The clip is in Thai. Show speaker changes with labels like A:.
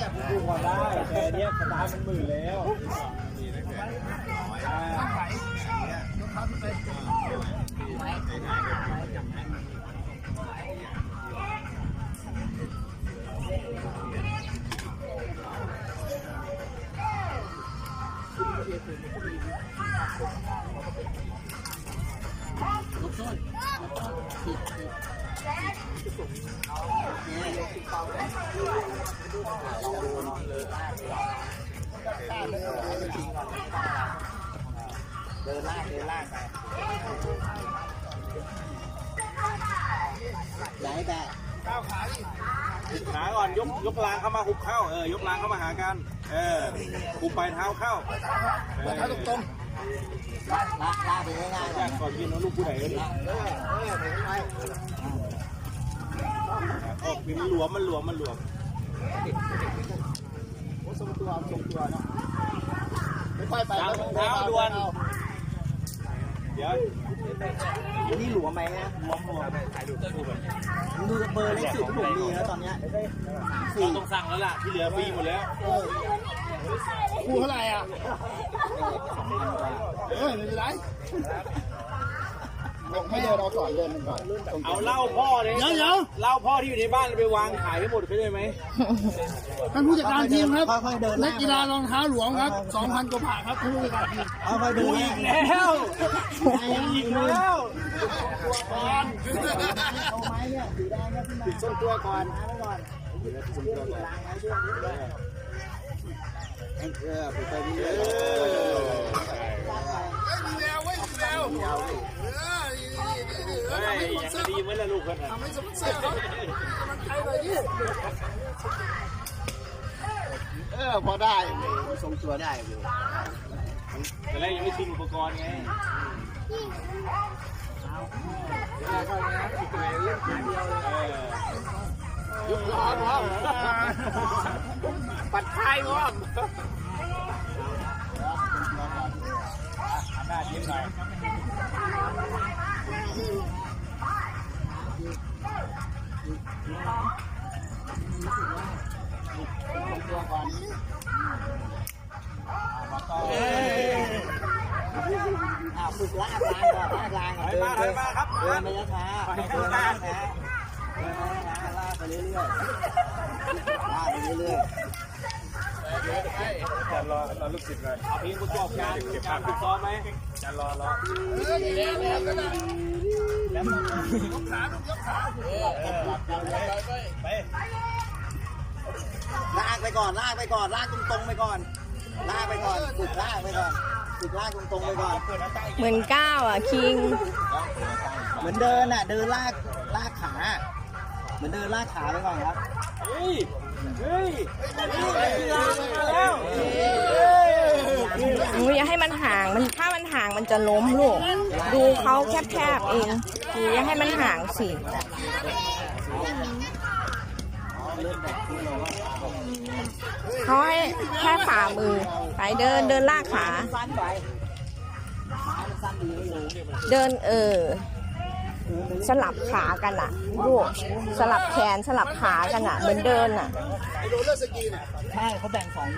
A: ดูก่อนได้แต่เนี้ยสตาร์มันหมื่นแล้ว
B: เดินล่างไปไหนแบะก้าวขาดิ
A: ขาก่อนยกรางเข้ามาหุบเข้ายกรางเข้ามาหากันหุบปลายเท้าเข้า
B: เท้าตรงๆลากไปง่ายๆ
A: แยกก่อนกินน้องลูกผู้ใหญ่เลยมันหลวมโอ้ทรงตัวเนาะ
B: ไม่ค่อยไปแล้ว
A: เท้าด่วนเดี๋ยว
B: นี่หลวมไหมฮะหลวมดูเบอร์เลขสุดที่ผมมีแล้วตอนเนี้ย
A: ต้องสั่งแล้วล่ะที่เหลือฟรีหมดแล้ว
B: คู่เท่าไหร่อ่ะไม่เป็นไรให้เดินเราก่อน
A: เอาเหล้าพ่อเลยเหล้าพ่อที่อยู่ในบ้านไปวางขายให้หมดไปได้ไหม
B: ท่านผู้จัดการทีมครับนักกีฬารองเท้าหลวงครับ 2,000 กว่าบาทครับท่านผู้จัดการทีม
A: ค่อยๆดูอีกแล้ว
B: เอาไม้เนี่ยสีแดงเนี่ยขึ้นมา
A: ส้นตัวก่อนไปดีเลยอย่างดีเหมือนละลูกกันทำให้สมบูรณ์
B: มันใครเลยดิพอได้ทรงตัวได้อยู่
A: แต่แรกยังไม่ชินอุปกรณ์ไงยุบล้อพร้อมปัดท้ายพร้อมหน้ายิ้มหน่อยตัวก่อน
B: ฝึกลากลาง
A: เดินมาครับ
B: เดินไปช้าลากไปเรื่อย
A: จะรอลูกศิษย์เลยเอาพี่ประกอบการเก็บภาพฝึกซ้อมไหมจะรอ
B: แล้วยกขาไปลากไปก่อนลากตรงไปก่อนฝึกลากไปก่อนตรงไปก่อน
C: เหมือนก้าวอ่ะคิง
B: เหมือนเดินอ่ะเดินลากขาเหมือนเดินลากขาไปก่อนครับ
A: เฮ้ย
C: อย่าให้มันห่างถ้ามันห่างมันจะล้มลูกดูเขาแคบๆเองอย่าให้มันห่างสิเขาให้แค่ฝ่ามือไปเดินลากขาเดินสลับขากันอ่ะลูกสลับแขนสลับขากันอ่ะเหมือนเดินอ่ะ
B: ใช่เขาแบ่ง2